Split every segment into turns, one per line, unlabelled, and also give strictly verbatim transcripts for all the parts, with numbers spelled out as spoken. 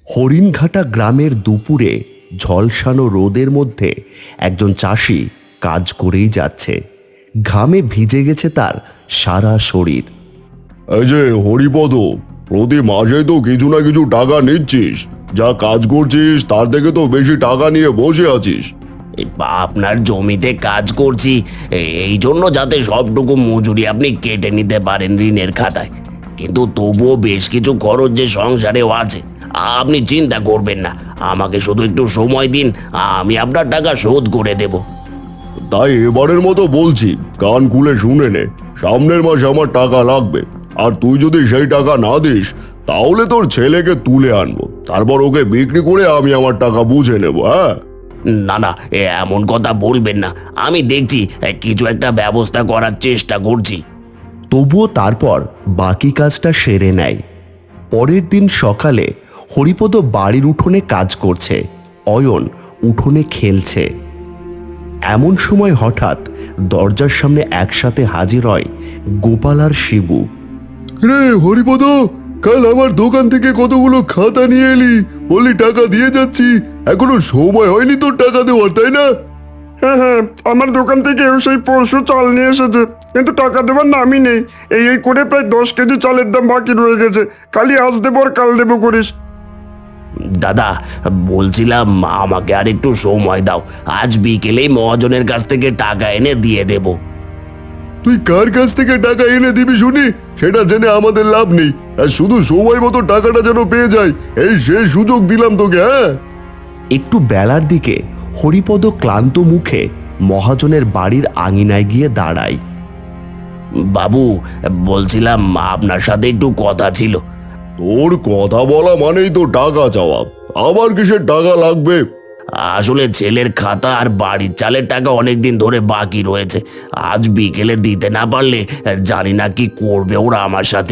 হরিণঘাটা গ্রামের দুপুরে ঝলসানো রোদের মধ্যে একজন চাষি কাজ করেই যাচ্ছে। ঘামে ভিজে গেছে তার সারা শরীর।
এই যে হরিপদ, প্রতি মাসে তো কিছু না কিছু টাকা নিচ্ছিস, যা কাজ করছিস তার থেকে তো বেশি টাকা নিয়ে বসে আছিস।
আপনার জমিতে কাজ করছি এই জন্য যাতে সবটুকু মজুরি আপনি কেটে নিতে পারেন ঋণের খাতায়, কিন্তু তবুও বেশ কিছু খরচ যে সংসারেও আছে। আপনি চিন্তা করবেন না, আমাকে শুধু একটু সময় দিন, আমি আপনার টাকা শোধ করে দেব।
তাই এবারের মতো বলছি, কান খুলে শুনে নে, সামনের মাসে আমার টাকা লাগবে। আর তুই যদি সেই টাকা না দিস তাহলে তোর ছেলেকে তুলে আনবো, তারপর ওকে বিক্রি করে আমি আমার টাকা বুঝে নেব। হ্যাঁ,
না না, এমন কথা বলবেন না, আমি দেখছি কিছু একটা ব্যবস্থা করার চেষ্টা করছি।
তবুও তারপর বাকি কাজটা সেরে নেয়। পরের দিন সকালে হরিপদ বাড়ির উঠোনে কাজ করছে, অয়ন উঠোনে খেলছে। এমন সময় হঠাৎ দরজার সামনে একসাথে হাজির হয় গোপাল আর শিবু।
রে হরিপদ, কাল আমার দোকান থেকে কতগুলো খাতা নিয়ে এলি, বললি টাকা দিয়ে যাচ্ছি, এখনো সময় হয়নি তোর টাকা দেওয়ার, তাই না?
হ্যাঁ হ্যাঁ, আমার দোকান থেকে সেই পরশু চাল নিয়ে এসেছে, কিন্তু টাকা দেবার নামই নেই। এই এই করে প্রায় দশ কেজি চালের দাম বাকি রয়ে গেছে, কালই আজ দেবো আর কাল দেবো করিস।
দাদা, বলছিলাম আমাকে আর একটু সময় দাও, আজ বিকেলেই মহাজনের কাছ থেকে টাকা এনে দিয়ে দেব।
তুই কার কাছ থেকে টাকা এনে দিবি শুনি, সেটা জেনে আমাদের লাভ নেই, আর শুধু সময় মতো টাকাটা যেন পেয়ে যায় এই সেই সুযোগ দিলাম তোকে। হ্যাঁ,
একটু বেলার দিকে হরিপদ ক্লান্ত মুখে মহাজনের বাড়ির আঙিনায় গিয়ে দাঁড়ায়।
বাবু, বলছিলাম আপনার সাথে একটু কথা ছিল।
তোর কথা বলা মানেই তো টাকা চাওয়া, আবার কিসের টাকা লাগবে?
আসলে ছেলের খাতা আর বাড়ির চালের টাকা অনেকদিন ধরে বাকি রয়েছে, আজ বিকেলে দিতে না পারলে জানি না কি করবে ওরা আমার সাথে।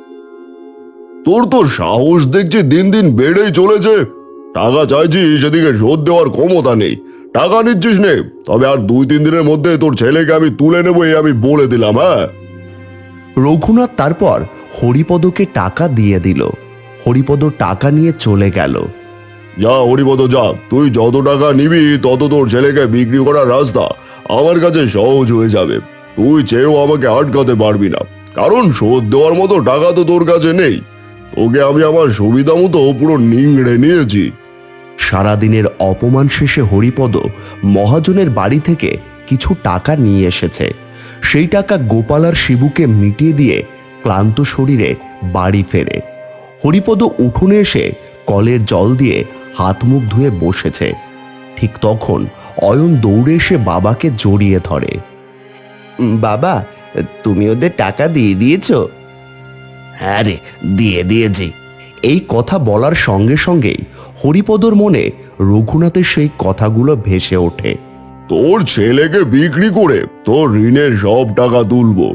তোর তো সাহস দেখছি দিন দিন বেড়েই চলেছে। টাকা চাইছিস, সেদিকে শোধ দেওয়ার ক্ষমতা নেই, টাকা নিচ্ছিস নে, তবে আর দুই তিন দিনের মধ্যে তোর ছেলেকে আমি তুলে নেবো, এই আমি বলে দিলাম। হ্যাঁ,
রঘুনাথ তারপর হরিপদকে টাকা দিয়ে দিল। হরিপদ টাকা নিয়ে চলে গেল।
যা হরিপদ যা, তুই যত টাকা নিবি তত তোর ছেলেকে বিক্রি করার রাস্তা আমার কাছে সহজ হয়ে যাবে। তুই চেয়েও আমাকে আটকাতে পারবি না, কারণ শোধ দেওয়ার মতো টাকা তো তোর কাছে নেই। তোকে আমি আমার সুবিধা মতো পুরো নিংড়ে নিয়েছি।
সারাদিনের অপমান শেষে হরিপদ মহাজনের বাড়ি থেকে কিছু টাকা নিয়ে এসেছে। সেই টাকা গোপাল আর শিবুকে মিটিয়ে দিয়ে ক্লান্ত শরীরে বাড়ি ফেরে। হরিপদ উঠোনে এসে কলের জল দিয়ে হাত মুখ ধুয়ে বসেছে। ঠিক তখন অয়ন দৌড়ে এসে বাবাকে জড়িয়ে ধরে। বাবা, তুমি ওদের টাকা দিয়ে দিয়েছ?
হ্যাঁ রে, দিয়ে দিয়েছি।
এই কথা বলার সঙ্গে সঙ্গেই হরিপদর মনে রঘুনাথের সেই কথাগুলো ভেসে ওঠে।
তোর ছেলেকে বিক্রি করে তোর ঋণের সব টাকা তুলবো।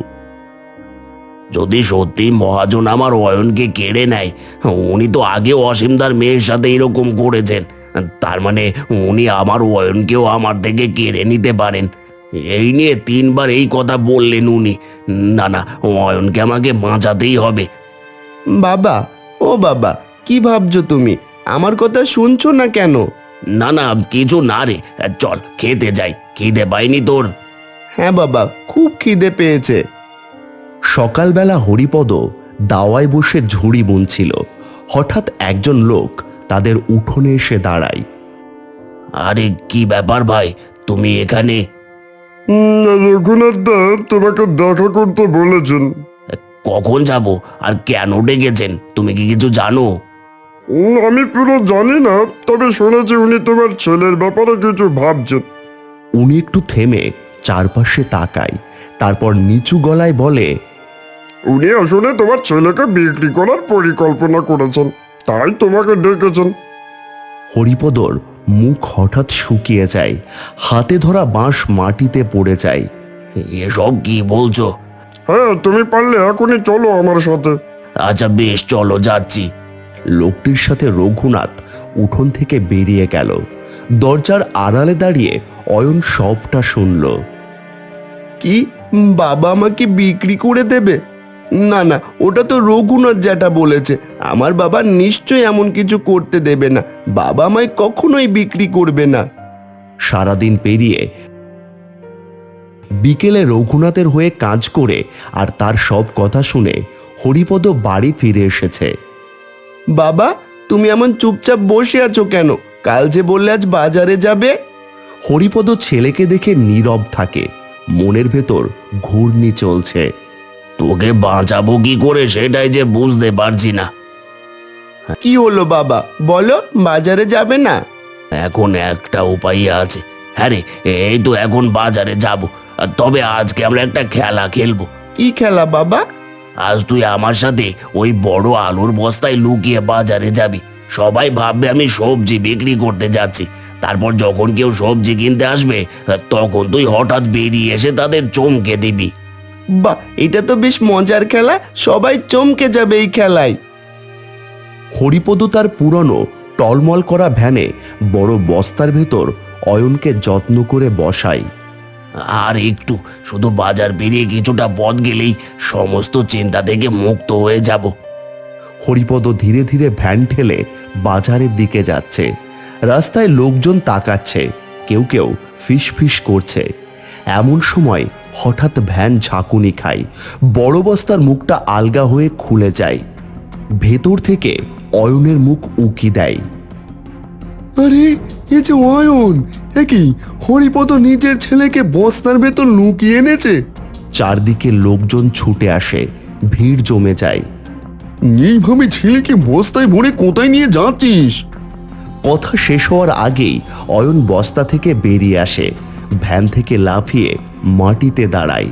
যদি সত্যি মহাজন আমার অয়নকে কেড়ে নেয়, উনি তো আগেও অসীমদার মেয়ের সাথে এরকম করেছেন, তার মানে উনি আমার অয়নকেও আমার থেকে কেড়ে নিতে পারেন। এই নিয়ে তিনবার এই কথা বললেন উনি। না না, অয়নকে আমাকে বাঁচাতেই হবে।
বাবা, ও বাবা, কি ভাবছো তুমি? আমার কথা শুনছো না কেন?
না না, কিছু না রে, চল খেতে যাই। খিদে পাইনি তোর?
হ্যাঁ বাবা, খুব খিদে পেয়েছে। সকালবেলা হরিপদ দাওয়ায় বসে ঝুড়ি বুনছিল। হঠাৎ একজন লোক তাদের উঠোনে এসে দাঁড়ায়।
আরে কি ব্যাপার ভাই, তুমি এখানে?
রঘুনাথ দা তোমাকে দেখা করতে বলেছেন।
কখন যাব আর কেন ডেকেছেন, তুমি কি কিছু জানো?
উম, আমি পুরো জানি না, তবে শুনেছি উনি তোমার ছেলের ব্যাপারে কিছু ভাবছেন।
উনি একটু থেমে চারপাশে তাকায়, তারপর নিচু গলায় বলে,
উনি আসলে তোমার ছেলেকে বিক্রি করার পরিকল্পনা করেছেন, তাই তোমাকে ডেকেছেন।
হরিপদর মুখ হঠাৎ শুকিয়ে যায়, হাতে ধরা বাঁশ মাটিতে পড়ে যায়।
এসব কি বলছো?
হ্যাঁ, তুমি পারলে এখনই চলো আমার সাথে।
আচ্ছা বেশ, চলো যাচ্ছি।
লোকটির সাথে রঘুনাথ উঠোন থেকে বেরিয়ে গেল। দরজার আড়ালে দাঁড়িয়ে অয়ন সবটা শুনল। কি, বাবা আমাকে বিক্রি করে দেবে? না না, ওটা তো রঘুনাথ জ্যাঠা বলেছে। আমার বাবা নিশ্চয়ই এমন কিছু করতে দেবে না। বাবা আমায় কখনোই বিক্রি করবে না। সারাদিন পেরিয়ে বিকেলে রঘুনাথের হয়ে কাজ করে আর তার সব কথা শুনে হরিপদ বাড়ি ফিরে এসেছে। বাবা, তুমি এমন চুপচাপ বসে আছো কেন? কাল যে বললে আজ বাজারে যাবে। হরিপদ ছেলেকে দেখে নীরব থাকে। মনের ভেতর ঘূর্ণি চলছে।
তোকে বাঁচাবো কি করে সেটাই যে বুঝতে পারছি না।
কি হলো বাবা, বলো, বাজারে যাবে না?
এখন একটা উপায় আছে। হ্যাঁ রে, এই তো এখন বাজারে যাব। তবে আজকে আমরা একটা খেলা খেলবো।
কি খেলা বাবা?
আজ তুই আমার সাথে ওই বড় আলুর বস্তায় লুকিয়ে বাজারে যাবি। সবাই ভাববে আমি সবজি বিক্রি করতে যাচ্ছি। তারপর যখন কেউ সবজি কিনতে আসবে তখন তুই হঠাৎ বেরিয়ে এসে তাদের চমকে দিবি।
বাহ, এটা তো বেশ মজার খেলা। সবাই চমকে যাবে এই খেলায়। হরিপদ তার পুরনো টলমল করা ভ্যানে বড় বস্তার ভেতর অয়নকে যত্ন করে বসায়।
আর একটু, শুধু বাজার বেরিয়ে কিছুটা পথ গেলেই সমস্ত চিন্তা থেকে মুক্ত হয়ে যাব।
হরিপদ ধীরে ধীরে ভ্যান ঠেলে বাজারের দিকে যাচ্ছে। রাস্তায় লোকজন তাকাচ্ছে, কেউ কেউ ফিস ফিস করছে। এমন সময় হঠাৎ ভ্যান ঝাঁকুনি খায়। বড় বস্তার মুখটা আলগা হয়ে খুলে যায়। ভেতর থেকে অয়নের মুখ উকি দেয়। আরে, এ যে অয়ন! একই, হরিপদ নিজের ছেলেকে বস্তার ভেতর লুকিয়ে এনেছে। চারদিকে লোকজন ছুটে আসে, ভিড় জমে যায়। এইভাবে ছেলেকে বস্তায় ভরে কোথায় নিয়ে যাচ্ছিস? কথা শেষ হওয়ার আগেই অয়ন বস্তা থেকে বেরিয়ে আসে। ভ্যান থেকে লাফিয়ে মাটিতে দাঁড়ায়।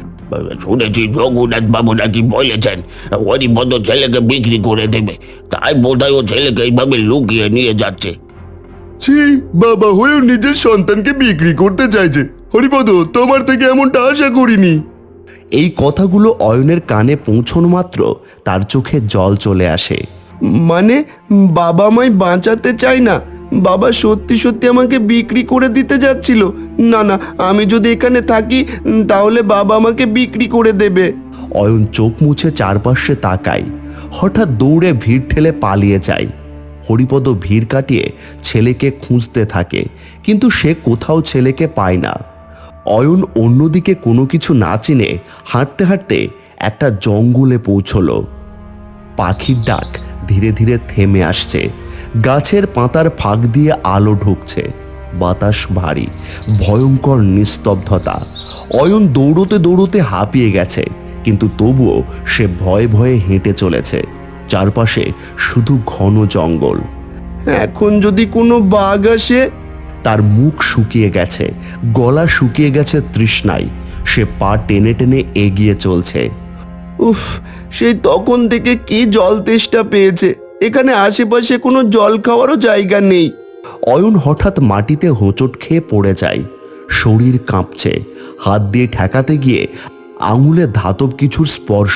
শুনেছি রঘুনাথ বাবু নাকি বলেছেন হরিপদ ছেলেকে বিক্রি করে দেবে, তাই বোধহয় ও ছেলেকে এইভাবে লুকিয়ে নিয়ে যাচ্ছে।
ছি, বাবা হয়েও নিজের সন্তানকে বিক্রি করতে চাইছে। হরিপদ, তোমার থেকে এমনটা আশা করিনি। এই কথাগুলো অয়নের কানে পৌঁছানো মাত্র তার চোখে জল চলে আসে। মানে, বাবা আমায় বাঁচাতে চায় না? বাবা সত্যি সত্যি আমাকে বিক্রি করে দিতে যাচ্ছিল? না না, আমি যদি এখানে থাকি তাহলে বাবা আমাকে বিক্রি করে দেবে। অয়ন চোখ মুছে চারপাশে তাকায়। হঠাৎ দৌড়ে ভিড় ঠেলে পালিয়ে যায়। হরিপদ ভিড় কাটিয়ে ছেলেকে খুঁজতে থাকে, কিন্তু সে কোথাও ছেলেকে পায় না। অয়ন অন্যদিকে কোনো কিছু না চিনে হাঁটতে হাঁটতে একটা জঙ্গলে পৌঁছলো। পাখির ডাক ধীরে ধীরে থেমে আসছে। গাছের পাতার ফাঁক দিয়ে আলো ঢুকছে। বাতাস ভারী, ভয়ঙ্কর নিস্তব্ধতা। অয়ন দৌড়তে দৌড়তে হাঁপিয়ে গেছে, কিন্তু তবুও সে ভয়ে ভয়ে হেঁটে চলেছে। চারপাশে শুধু ঘন জঙ্গল। এখন যদি কোনো বাঘ আসে? তার মুখ শুকিয়ে গেছে, গলা শুকিয়ে গেছে তৃষ্ণায়। সে পা টেনে টেনে এগিয়ে চলছে। উফ, সেই তখন থেকে কি জল তেষ্টা পেয়েছে। এখানে আশেপাশে কোনো জল খাওয়ারও জায়গা নেই। অয়ন হঠাৎ মাটিতে হোঁচট খেয়ে পড়ে যায়। শরীর কাঁপছে। হাত দিয়ে ঠেকাতে গিয়ে আঙুলে ধাতব কিছুর স্পর্শ।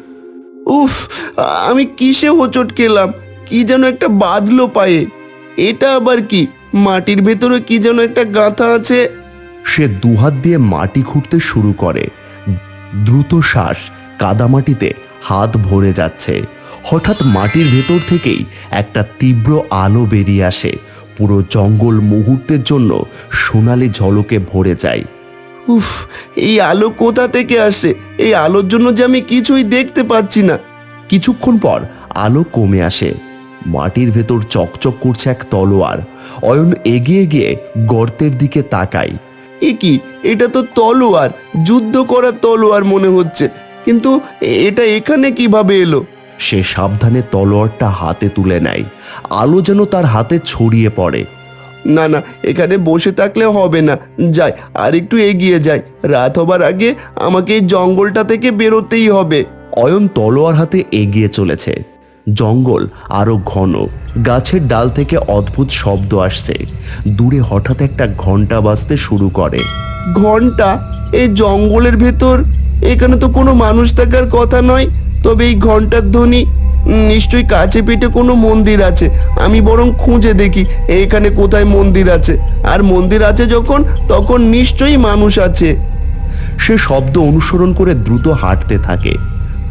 উফ, আমি কিসে হোঁচট খেলাম? কি যেন একটা বাঁধলো পায়ে। এটা আবার কি? মাটির ভেতরে কি যেন একটা গাঁথা আছে। সে দুহাত দিয়ে মাটি খুঁড়তে শুরু করে। দ্রুত শ্বাস, কাদামাটিতে হাত ভরে যাচ্ছে। হঠাৎ মাটির ভেতর থেকেই একটা তীব্র আলো বেরিয়ে আসে। পুরো জঙ্গল মুহূর্তের জন্য সোনালি ঝলকে ভরে যায়। উফ, এই আলো কোথা থেকে আসে? এই আলোর জন্য যে আমি কিছুই দেখতে পাচ্ছি না। কিছুক্ষণ পর আলো কমে আসে। মাটির ভেতর চকচক করছে এক তলোয়ার। অয়ন এগিয়ে গিয়ে গর্তের দিকে তাকায়। এ কি? এটা তো তলোয়ার, যুদ্ধ করার তলোয়ার মনে হচ্ছে, কিন্তু এটা এখানে কিভাবে এলো? সে সাবধানে তলোয়ারটা হাতে তুলে নেয়। আলো যেন তার হাতে ছড়িয়ে পড়ে। না না, এখানে বসে থাকলে হবে না, যাই আর একটু এগিয়ে যাই। রাত হবার আগে আমাকে এই জঙ্গলটা থেকে বেরোতেই হবে। অয়ন তলোয়ার হাতে এগিয়ে চলেছে। জঙ্গল আরো ঘন। গাছের ডাল থেকে অদ্ভুত শব্দ আসছে। দূরে হঠাৎ একটা ঘন্টা বাজতে শুরু করে। ঘন্টা? এই জঙ্গলের ভেতর? এখানে তো কোনো মানুষ থাকার কথা নয়। তবে এই ঘন্টার ধ্বনি, নিশ্চয়ই কাছে পিঠে কোনো মন্দির আছে। আমি বরং খুঁজে দেখি এখানে কোথায় মন্দির আছে। আর মন্দির আছে যখন, তখন নিশ্চয়ই মানুষ আছে। সে শব্দ অনুসরণ করে দ্রুত হাঁটতে থাকে।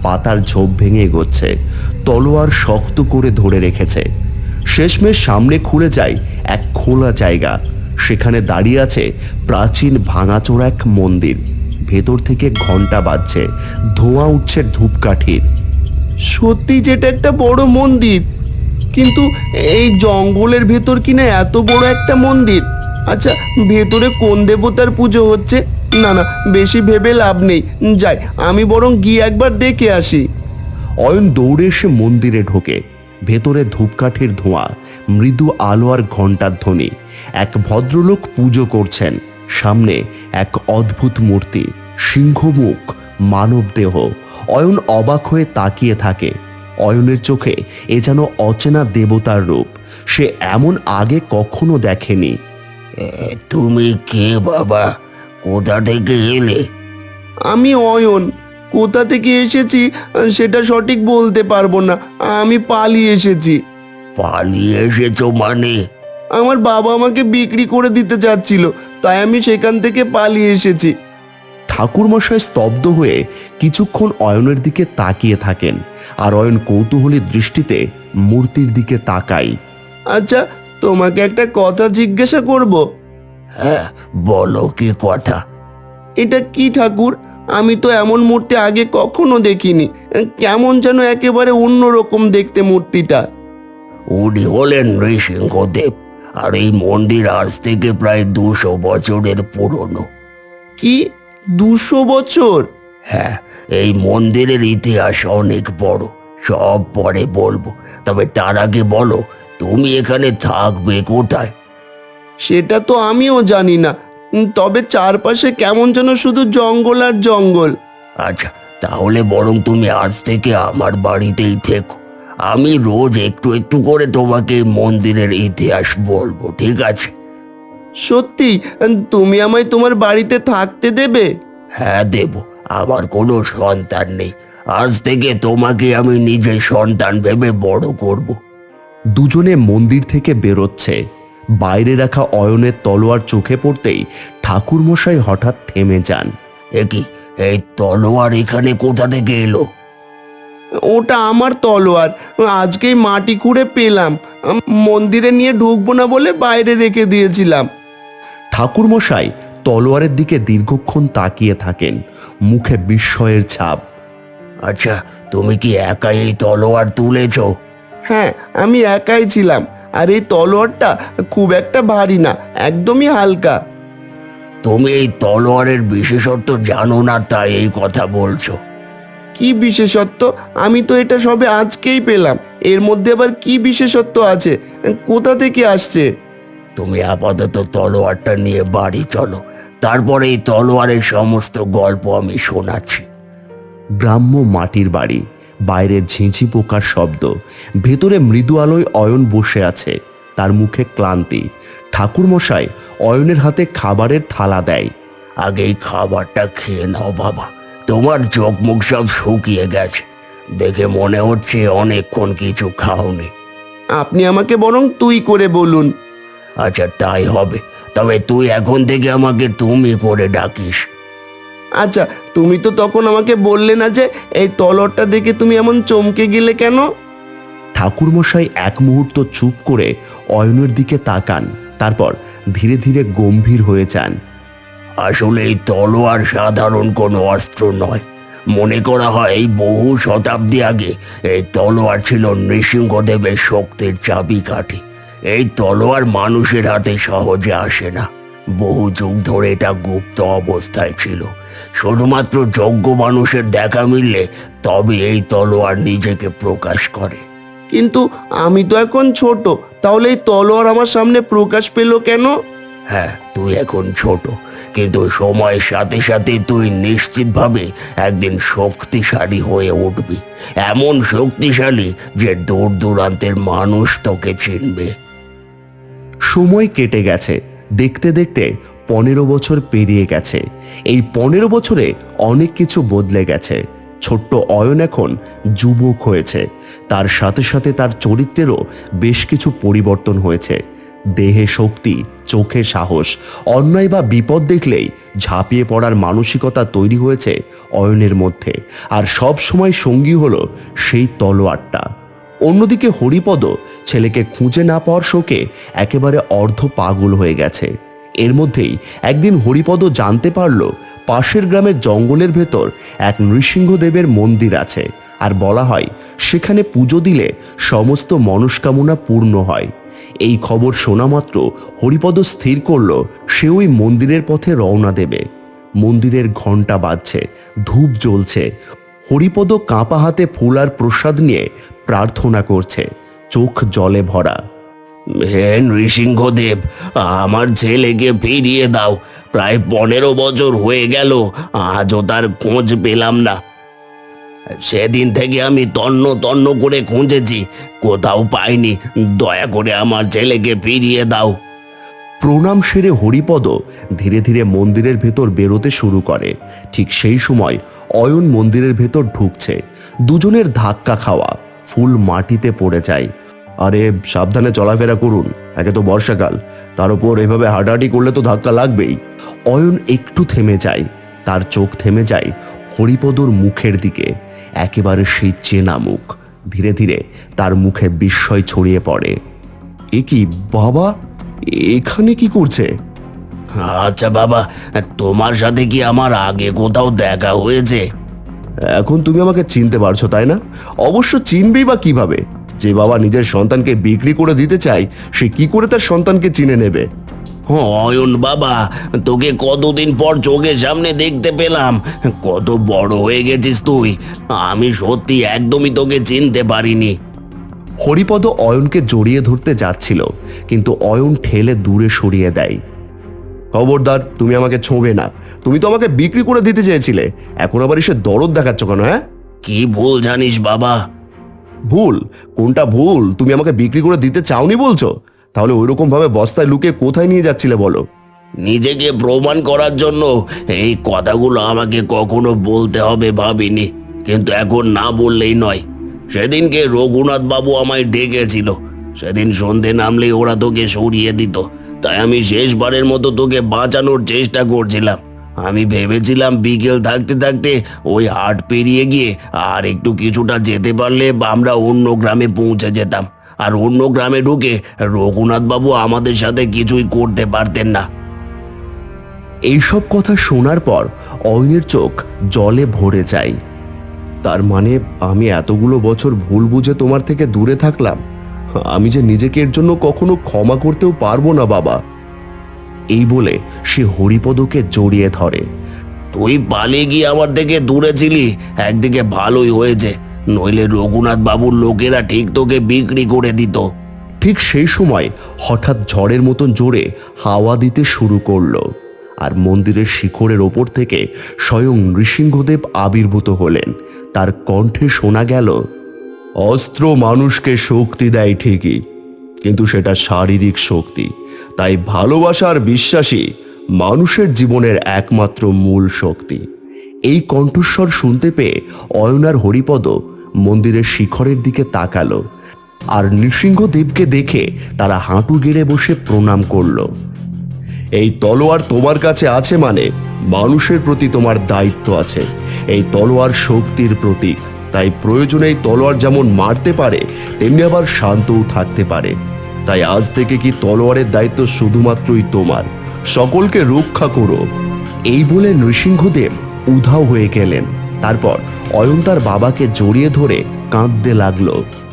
পাতার ঝোপ ভেঙে এগোচ্ছে, তলোয়ার শক্ত করে ধরে রেখেছে। শেষমেশ সামনে খুলে যায় এক খোলা জায়গা। সেখানে দাঁড়িয়ে আছে প্রাচীন ভাঙাচোরা এক মন্দির। ভেতর থেকে ঘন্টা বাজছে, ধোঁয়া উঠছে ধূপকাঠির। সত্যি যেটা একটা বড় মন্দির, কিন্তু এই জঙ্গলের ভেতর কিনা এত বড় একটা মন্দির। আচ্ছা, ভেতরে কোন দেবতার পুজো হচ্ছে? না না, বেশি ভেবে লাভ নেই, যাই আমি বরং গিয়ে একবার দেখে আসি। অয়ন দৌড়ে এসে মন্দিরে ঢোকে। ভেতরে ধূপকাঠির ধোঁয়া, মৃদু আলো আর ঘণ্টার ধ্বনি। এক ভদ্রলোক পুজো করছেন। সামনে এক অদ্ভুত মূর্তি, সিংহমুখ, মানব দেহ। অয়ন অবাক হয়ে তাকিয়ে থাকে। অয়নের চোখে এ যেন অচেনা দেবতার রূপ। সে এমন আগে কখনো দেখেনি।
তুমি কে বাবা? কোথা থেকে এলে?
আমি অয়ন। কোথা থেকে এসেছি সেটা সঠিক বলতে পারবো না। আমি পালিয়ে এসেছি।
পালিয়ে এসেছো মানে?
আমার বাবা আমাকে বিক্রি করে দিতে চাচ্ছিল, তাই আমি সেখান থেকে পালিয়ে এসেছি। ঠাকুরমশাই স্তব্ধ হয়ে কিছুক্ষণ অয়নের দিকে তাকিয়ে থাকেন, আর অয়ন কৌতূহলী দৃষ্টিতে মূর্তির দিকে তাকাই। আচ্ছা, তোমাকে একটা কথা জিজ্ঞাসা করব?
হ্যাঁ, বলো কি কথা?
এটা কি ঠাকুর? আমি তো এমন মূর্তি আগে কখনো দেখিনি। কেমন যেন একেবারে অন্যরকম দেখতে মূর্তিটা।
উনি হলেন নৃসিংহদেব, আর এই মন্দির আজ থেকে প্রায় দুশো বছরের পুরনো।
কি, দুশো বছর?
হ্যাঁ, এই মন্দিরের ইতিহাস অনেক বড়। সব পরে বলবো, তবে তার আগে বলো, তুমি এখানে থাকবে কোথায়?
সেটা তো আমিও জানি না, তবে চারপাশে কেমন যেন শুধু জঙ্গল আর জঙ্গল।
আচ্ছা, তাহলে বরং তুমি আজ থেকে আমার বাড়িতেই থেকো। আমি রোজ একটু একটু করে তোমাকে মন্দিরের ইতিহাস বলবো, ঠিক আছে?
সত্যি? তুমি আমায় তোমার বাড়িতে থাকতে দেবে?
হ্যাঁ, দেব। আমার কোনো সন্তান নেই, আজ থেকে তোমাকে আমি নিজের সন্তান ভেবে বড় করব।
দুজনে মন্দির থেকে বেরোচ্ছে। বাইরে রাখা অয়নের তলোয়ার চোখে পড়তেই ঠাকুরমশাই হঠাৎ থেমে যান।
একি, এই তলোয়ার এখানে কোথা থেকে এলো?
ওটা আমার তলোয়ার, আজকেই মাটি খুঁড়ে পেলাম। মন্দিরে নিয়ে ঢুকবো না বলে বাইরে রেখে দিয়েছিলাম। ঠাকুরমশাই তলোয়ারের দিকে দীর্ঘক্ষণ তাকিয়ে থাকেন, মুখে বিস্ময়ের ছাপ।
আচ্ছা, তুমি কি একাই এই তলোয়ার তুলেছ?
হ্যাঁ, আমি একাই ছিলাম, আর এই তলোয়ারটা খুব একটা ভারী না, একদমই হালকা।
তুমি এই তলোয়ারের বিশেষত্ব জানো না, তাই এই কথা বলছো?
কি বিশেষত্ব? আমি তো এটা সবে আজকেই পেলাম। এর মধ্যে আবার কি বিশেষত্ব আছে? কোথা থেকে আসছে?
তুমি আপাতত তলোয়ারটা নিয়ে বাড়ি চলো, তারপরে এই তলোয়ারের সমস্ত গল্প আমি শোনাচ্ছি।
গ্রাম্য মাটির বাড়ি, বাইরে ঝিঁঝি পোকার শব্দ, ভেতরে মৃদু আলোয় অয়ন বসে আছে, তার মুখে ক্লান্তি। ঠাকুরমশাই অয়নের হাতে খাবারের থালা দেয়।
আগে এই খাবারটা খেয়ে নাও বাবা, তোমার চোখ মুখ সব শুকিয়ে গেছে, দেখে মনে হচ্ছে অনেকক্ষণ কিছু খাওনি।
আপনি আমাকে বরং তুই করে বলুন।
আচ্ছা, তাই হবে, তবে তুই এখন থেকে আমাকে তুমি করে ডাকিস।
আচ্ছা, তুমি তো তখন আমাকে বললে না যে এই তলোয়ারটা দেখে তুমি এমন চমকে গেলে কেন? ঠাকুরমশাই এক মুহূর্ত চুপ করে অয়নের দিকে তাকান, তারপর ধীরে ধীরে গম্ভীর হয়ে যান।
আসলে এই তলোয়ার সাধারণ কোনো অস্ত্র নয়। মনে করা হয় এই বহু শতাব্দী আগে এই তলোয়ার ছিল নৃসিংহদেবের শক্তির চাবিকাঠি। এই তলোয়ার মানুষের হাতে সহজে আসে না, বহু যুগ ধরে এটা গুপ্ত অবস্থায় ছিল। শুধুমাত্র যোগ্য মানুষের দেখা মিললে তবে এই তলোয়ার নিজেকে প্রকাশ করে।
কিন্তু আমি তো এখন ছোট, তাহলে এই তলোয়ার আমার সামনে প্রকাশ পেল কেন?
হ্যাঁ, তুই এখন ছোট, কিন্তু সময়ের সাথে সাথে তুই নিশ্চিতভাবে একদিন শক্তিশালী হয়ে উঠবি, এমন শক্তিশালী যে দূর দূরান্তের মানুষ তোকে চিনবে।
সময় কেটে গেছে, দেখতে দেখতে পনেরো বছর পেরিয়ে গেছে। এই পনেরো বছরে অনেক কিছু বদলে গেছে। ছোট্ট অয়ন এখন যুবক হয়েছে, তার সাথে সাথে তার চরিত্রেরও বেশ কিছু পরিবর্তন হয়েছে। দেহে শক্তি, চোখে সাহস, অন্যায় বা বিপদ দেখলেই ঝাঁপিয়ে পড়ার মানসিকতা তৈরি হয়েছে অয়নের মধ্যে, আর সব সময় সঙ্গী হলো সেই তলোয়ারটা। অন্যদিকে হরিপদ ছেলেকে খুঁজে না পাওয়ার শোকে একেবারে অর্ধ পাগল হয়ে গেছে। এর মধ্যেই একদিন হরিপদ জানতে পারল পাশের গ্রামের জঙ্গলের ভেতর এক নৃসিংহদেবের মন্দির আছে, আর বলা হয় সেখানে পুজো দিলে সমস্ত মনস্কামনা পূর্ণ হয়। এই খবর শোনা মাত্র হরিপদ স্থির করল সে ওই মন্দিরের পথে রওনা দেবে। মন্দিরের ঘণ্টা বাজছে, ধূপ জ্বলছে। হরিপদ কাঁপা হাতে ফুল আর প্রসাদ নিয়ে প্রার্থনা করছে, চোখ জলে ভরা।
হে নৃসিংহদেব, আমার ছেলেকে ফিরিয়ে দাও। প্রায় পনেরো বছর হয়ে গেল, আজও তার খোঁজ পেলাম না। সেদিন থেকে আমি তন্ন তন্ন করে খুঁজেছি, কোথাও পাইনি। দয়া করে আমার ছেলেকে ফিরিয়ে দাও।
প্রণাম সেরে হরিপদ ধীরে ধীরে মন্দিরের ভেতর বেরোতে শুরু করে। ঠিক সেই সময় অয়ন মন্দিরের ভেতর ঢুকছে। দুজনের ধাক্কা খাওয়া, ফুল মাটিতে পড়ে যায়। আরে সাবধানে চলাফেরা করুন, একে তো বর্ষাকাল, তার উপর এভাবে হাঁটাহাঁটি করলে তো ধাক্কা লাগবেই। অয়ন একটু থেমে যায়, তার চোখ থেমে যায় হরিপদর মুখের দিকে। একেবারে সেই চেনা মুখ। ধীরে ধীরে তার মুখে বিস্ময় ছড়িয়ে পড়ে। এ কি বাবা, এখানে কি করছে?
আচ্ছা বাবা, তোমার সাথে কি আমার আগে কোথাও দেখা হয়েছে?
এখন তুমি আমাকে চিনতে পারছো তাই না? অবশ্য চিনবেই বা কিভাবে? যে বাবা নিজের সন্তানকে বিক্রি করে দিতে চায়, সে কি করে তার সন্তানকে চিনে নেবে?
অয়ন বাবা, তোকে কতদিন পর চোখের সামনে দেখতে পেলাম। কত বড় হয়ে গেছিস তুই। আমি সত্যি একদমই তোকে চিনতে পারিনি।
হরিপদ অয়নকে জড়িয়ে ধরতে যাচ্ছিল, কিন্তু অয়ন ঠেলে দূরে সরিয়ে দেয়। খবরদার, তুমি আমাকে ছোঁবে না। তুমি তো আমাকে বিক্রি করে দিতে চেয়েছিলে, এখন আবার এসে দরদ দেখাচ্ছ কেন? হ্যাঁ,
কি ভুল জানিস বাবা?
ভুল? কোনটা ভুল? তুমি আমাকে বিক্রি করে দিতে চাওনি বলছো? তাহলে ওইরকম ভাবে বস্তায় লুকিয়ে কোথায় নিয়ে যাচ্ছিলে বলো?
নিজেকে প্রমাণ করার জন্য এই কথাগুলো আমাকে কখনো বলতে হবে ভাবিনি, কিন্তু এখন না বললেই নয়। সেদিনকে রঘুনাথ বাবু আমায় ডেকেছিল। সেদিন সন্ধে নামলেই ওরা তোকে সরিয়ে দিত, তাই আমি শেষবারের মতো তোকে বাঁচানোর চেষ্টা করছিলাম। আমি ভেবেছিলাম বিকেল থাকতে থাকতে ওই হাট পেরিয়ে গিয়ে আর একটু কিছুটা যেতে পারলে আমরা অন্য গ্রামে পৌঁছে যেতাম, আর অন্য গ্রামে ঢুকে রঘুনাথ বাবু আমাদের সাথে কিছুই করতে পারতেন না।
এইসব কথা শোনার পর অয়নের চোখ জলে ভরে যায়। তার মানে আমি এতগুলো বছর ভুল বুঝে তোমার থেকে দূরে থাকলাম। আমি যে নিজেকে এর জন্য কখনো ক্ষমা করতেও পারবো না বাবা। এই বলে সে হরিপদকে জড়িয়ে ধরে।
তুই পালিয়ে গিয়ে আমার থেকে দূরে ছিলি, একদিকে ভালোই হয়েছে, নইলে রঘুনাথ বাবুর লোকেরা ঠিক তোকে বিক্রি করে দিত।
ঠিক সেই সময় হঠাৎ ঝড়ের মতন জোরে হাওয়া দিতে শুরু করলো, আর মন্দিরের শিখরের ওপর থেকে স্বয়ং নৃসিংহদেব আবির্ভূত হলেন। তার কণ্ঠে শোনা গেল, অস্ত্র মানুষকে শক্তি দেয় ঠিকই, কিন্তু সেটা শারীরিক শক্তি। তাই ভালোবাসা আর বিশ্বাসী মানুষের জীবনের একমাত্র মূল শক্তি। এই কণ্ঠস্বর শুনতে পেয়ে অয়ন আর হরিপদ মন্দিরের শিখরের দিকে তাকালো, আর নৃসিংহদেবকে দেখে তারা হাঁটু গেড়ে বসে প্রণাম করল। এই তলোয়ার তোমার কাছে আছে মানে মানুষের প্রতি তোমার দায়িত্ব আছে। এই তলোয়ার শক্তির প্রতীক, তাই প্রয়োজনে এই তলোয়ার যেমন মারতে পারে তেমনি আবার শান্তও থাকতে পারে। তাই আজ থেকে কি তলোয়ারের দায়িত্ব শুধুমাত্রই তোমার, সকলকে রক্ষা করো। এই বলে নৃসিংহদেব উধাও হয়ে গেলেন। তারপর অয়ন তার বাবাকে জড়িয়ে ধরে কাঁদতে লাগলো।